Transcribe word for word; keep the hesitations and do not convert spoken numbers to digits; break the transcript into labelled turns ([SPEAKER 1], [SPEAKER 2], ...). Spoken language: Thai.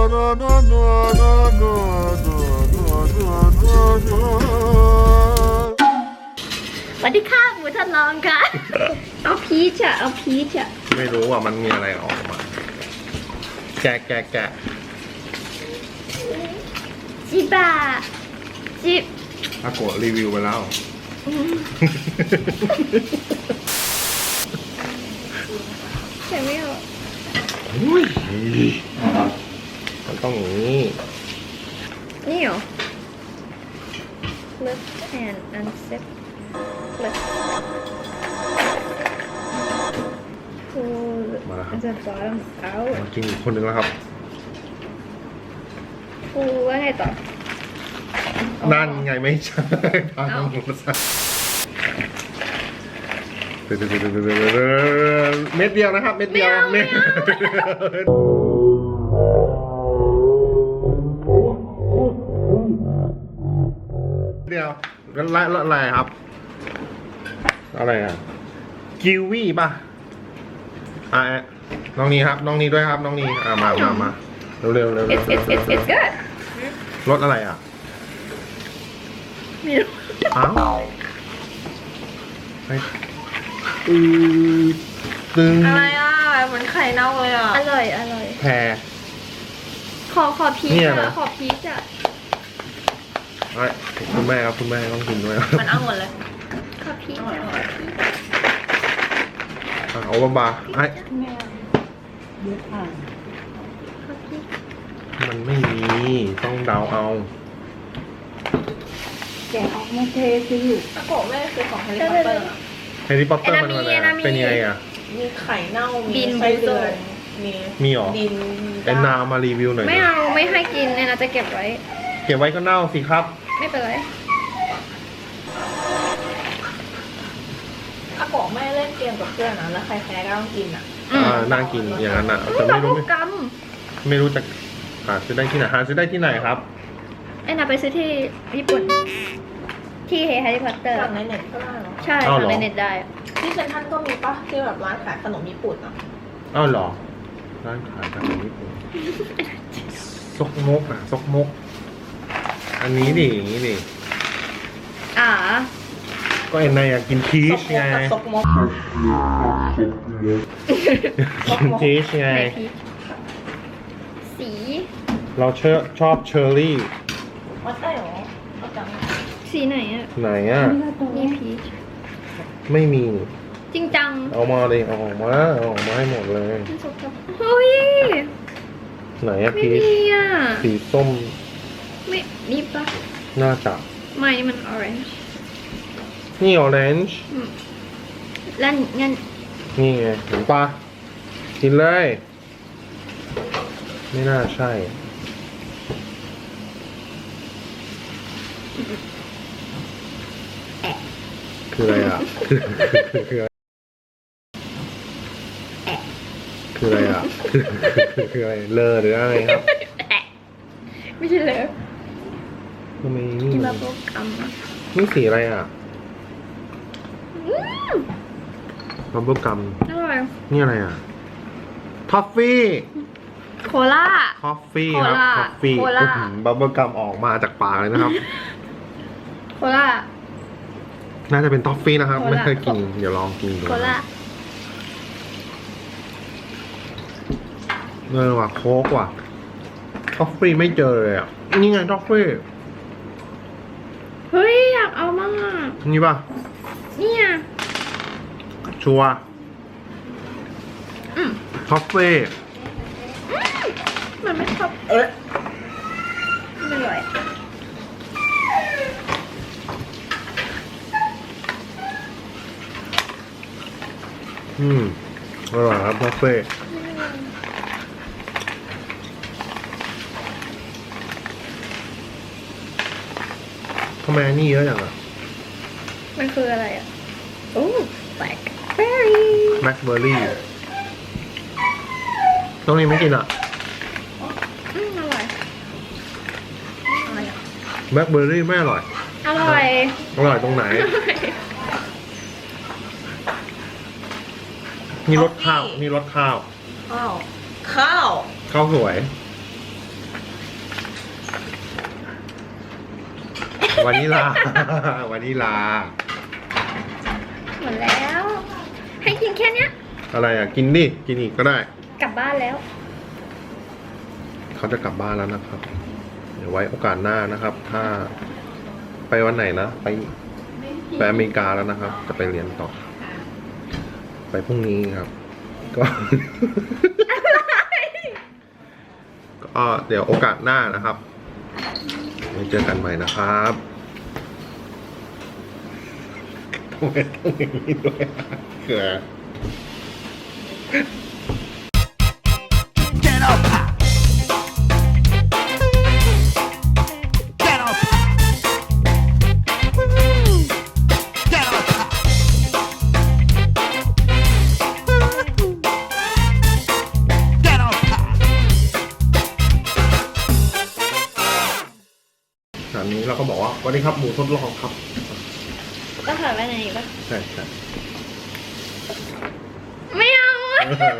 [SPEAKER 1] สวัสดีค่ะหมูทดลองค่ะ เอาพีชอะเอาพีชอะ
[SPEAKER 2] ไม่รู้ว่ามันมีอะไรออกมา แกะแกะแกะ
[SPEAKER 1] จิบะจิบ
[SPEAKER 2] อาโกะรีวิวไปแล้ว
[SPEAKER 1] ใช่ไหมอ่ะ
[SPEAKER 2] อุ้ยมันต้องอย่างนี้
[SPEAKER 1] นี่เหรอ lift and unzip lift pull
[SPEAKER 2] มาแล้วครับ
[SPEAKER 1] the bottom out
[SPEAKER 2] มากินอีกคนนึงแล้วครับ
[SPEAKER 1] pull ว่าไงต่อ
[SPEAKER 2] นั่นไงไม่ใช่ทางหมูสัตว์เม็ดเดียวนะครับ เม็ดเดียวเม็ดเดียวแล้วอะไรครับ อะไรอ่ะกิวีป่ะอ่ะน้องนี้ครับ น้องนี้ด้วยครับ น้องนี้อ่ะมามามาเร็วเร็วเร็ว
[SPEAKER 1] it's it's it's it's good
[SPEAKER 2] รสอะไรอ่ะ
[SPEAKER 1] ไม่รู้
[SPEAKER 2] อ้าวไปอือตึง
[SPEAKER 3] อะไรอ่ะเหมือนไข่เน่าเลยอ่ะ
[SPEAKER 1] อร่อยอร่อย
[SPEAKER 2] แพร
[SPEAKER 1] ขอขอพีช
[SPEAKER 2] เนี่ยนะ
[SPEAKER 1] อะขอพีชอะ
[SPEAKER 2] ไอ้คุณแม่ครับคุณแม่ต้องกินด้วย
[SPEAKER 3] มันเอาหมดเลย
[SPEAKER 1] ขอพีช
[SPEAKER 3] อร่อยอร่อย
[SPEAKER 2] อ่ะเอาบาๆไอ้
[SPEAKER 1] ขอพีช
[SPEAKER 2] มันไม่มีต้องเดาเอา
[SPEAKER 4] แกะออกมาเทสิลูก
[SPEAKER 3] ตะโกะแม่คือของแฮร์รี่พอตเตอร์อะ
[SPEAKER 2] แฮร์รี่พอตเตอร์มันอะไรอะเป็นยังไงอ่ะ
[SPEAKER 3] มีไข่เน่า มีไส้เดือนมี
[SPEAKER 2] มีเหรอ
[SPEAKER 3] ดิน
[SPEAKER 2] แอนนามารีวิวหน่อย
[SPEAKER 1] ไม่
[SPEAKER 2] ดิ
[SPEAKER 1] เอาไม่ให้กินเนี่ยนะจะเก็บไว้
[SPEAKER 2] เก็บไว้ก็เน่าสิครับ
[SPEAKER 1] ไม่เป็นไร
[SPEAKER 3] ตะโกะแม่เล่นเกมกับเพื่อนนะแล้วใครแพ้ก็ต้องกินอ่ะ
[SPEAKER 1] อืม
[SPEAKER 2] อ่าน่ากินอย่างนั้นอ่ะ
[SPEAKER 1] อื
[SPEAKER 2] แต่
[SPEAKER 1] ม
[SPEAKER 2] ไม่รู้
[SPEAKER 1] บับ
[SPEAKER 2] ไม่
[SPEAKER 1] เบิ้ลกัม
[SPEAKER 2] ไม่รู้จะหาซื้อได้ที่ไหนหาซื้อได้ที่ไหนครับ
[SPEAKER 1] ไอ้นาไปซื้อที่ญี่ปุ่น ที่แฮร์รี่พอตเตอร์
[SPEAKER 3] สั่งในเน็ตก็ได้เหรอ
[SPEAKER 1] ใช่
[SPEAKER 2] อ้าว
[SPEAKER 1] สั่ง
[SPEAKER 2] เหรอ
[SPEAKER 1] ในเน็ตได้
[SPEAKER 3] ที่เซ็นทรัลก็มีปะที่แบบร้านขายขนมญี่ปุ่นอ่ะ
[SPEAKER 2] อ้าวเหรอร้านขายขนมญี่ปุ่นซกมกอ่ะซกมก อันนี้ดิอย่างนี้ดิ
[SPEAKER 1] อ่า
[SPEAKER 2] ก็เอ็นนายอยากกินชี
[SPEAKER 3] ซ
[SPEAKER 2] ส
[SPEAKER 3] กม
[SPEAKER 2] ไง
[SPEAKER 3] กกับซกมก
[SPEAKER 2] กินชีสไง
[SPEAKER 1] ในพีชสี
[SPEAKER 2] เราเชอชอบเชอร์รี่
[SPEAKER 3] วัดได้เหรอเอาจัง
[SPEAKER 1] สีไหนอ่ะ
[SPEAKER 2] ไหนอ่ะ
[SPEAKER 1] นี่พีช
[SPEAKER 2] ไม่มี
[SPEAKER 1] จริงจัง
[SPEAKER 2] เอามาเลยเอาออกมาเอาออกมาให้หมดเลย
[SPEAKER 1] มันสกปรกเฮ้ย
[SPEAKER 2] ไหนอะ
[SPEAKER 1] ไม่
[SPEAKER 2] พีช
[SPEAKER 1] มีอ่ะ
[SPEAKER 2] สีส้ม
[SPEAKER 1] ไม่นี่ปะ
[SPEAKER 2] น่าจะ
[SPEAKER 1] ไม่นี่มัน orange
[SPEAKER 2] นี่ออเรนจ์
[SPEAKER 1] อืมแล้วงั้น
[SPEAKER 2] นี่ไงเห็นปะกินเลย ไม่น่าใช่ คืออะไรอ่ะ คือคือคืออะไรคืออะไรอ่ะ คือคืออะไรเลอหรืออะไรครับ
[SPEAKER 1] ไม่ใช่เลย
[SPEAKER 2] ทำไมนี่
[SPEAKER 1] กิน
[SPEAKER 2] มั
[SPEAKER 1] บั
[SPEAKER 2] น
[SPEAKER 1] บเบิ้ลกัมอ่ะ
[SPEAKER 2] นี่สีอะไรอ่ะ
[SPEAKER 1] อืม
[SPEAKER 2] บับเบิ้ลกัม
[SPEAKER 1] อร่อย
[SPEAKER 2] นี่อะไรอ่ะทอฟฟี่
[SPEAKER 1] โคล่า
[SPEAKER 2] ทอฟฟี่ครับ
[SPEAKER 1] โคลา
[SPEAKER 2] ทอฟฟี่
[SPEAKER 1] โคลา
[SPEAKER 2] บับเบิ้ลกัมออกมาจากปากเลยนะครับ
[SPEAKER 1] โคล่า
[SPEAKER 2] น่าจะเป็นทอฟฟี่นะครับ
[SPEAKER 1] โคลา
[SPEAKER 2] ไม่เคยกิน เดี๋ยวลองกินดู
[SPEAKER 1] โคล่า
[SPEAKER 2] เออว่ะโค้กว่ะทอฟฟี่ไม่เจอเลยอ่ะ นี่ไงทอฟฟี่
[SPEAKER 1] เฮ้ย อยากเอามากอ่ะ
[SPEAKER 2] นี่ป่ะ
[SPEAKER 1] เนี่ย
[SPEAKER 2] ชัวร์
[SPEAKER 1] อืม
[SPEAKER 2] ทอฟฟี่
[SPEAKER 1] อืมมันไม่ชอบ
[SPEAKER 3] เอ๊ะ
[SPEAKER 1] ไม่อร่อย
[SPEAKER 2] อืมอร่อยครับทอฟฟี่ทำไมอันนี้เยอะอย่างอ่ะ
[SPEAKER 1] มันคืออะไรอ่ะ โอ้ blackberry
[SPEAKER 2] แบล็คเบอร์รี่ต้องนี้ไม่กินอ่ะ
[SPEAKER 1] อืมอร่อย
[SPEAKER 3] อะไรอ่ะ
[SPEAKER 2] แบล็คเบอร์รี่ไม่อร่อย
[SPEAKER 1] อร่อย
[SPEAKER 2] อร่อยตรงไหน นี่รสข้าว นี่รสข้าว
[SPEAKER 3] ข้าว ข้าว
[SPEAKER 2] ข้าวสวย
[SPEAKER 1] อ
[SPEAKER 2] วานิลา วานิลา
[SPEAKER 1] หมดแล้ว ให้กินแค่เนี้ย
[SPEAKER 2] อะไรอ่ะ กินดิ กินอีกก็ได้
[SPEAKER 1] กลับบ้านแล้ว
[SPEAKER 2] เขาจะกลับบ้านแล้วนะครับ เดี๋ยวไว้โอกาสหน้านะครับ ถ้าไปวันไหนนะ ไปไปอเมริกาแล้วนะครับ จะไปเรียนต่อ ไปพรุ่งนี้ครับ ก็ ก็เดี๋ยวโอกาสหน้านะครับไว้เจอกันใหม่นะครับทำไมต้องอย่างนี้ด้วยเกิด
[SPEAKER 5] Get up! Get up! Get up! Get up!
[SPEAKER 2] ตอนนี้เราก็บอกว่าสวัสดีครับหมูทดลองครับ
[SPEAKER 1] ก็ถอดไว้ไหนปะ
[SPEAKER 2] ใช่ใช่
[SPEAKER 1] ไม่เอา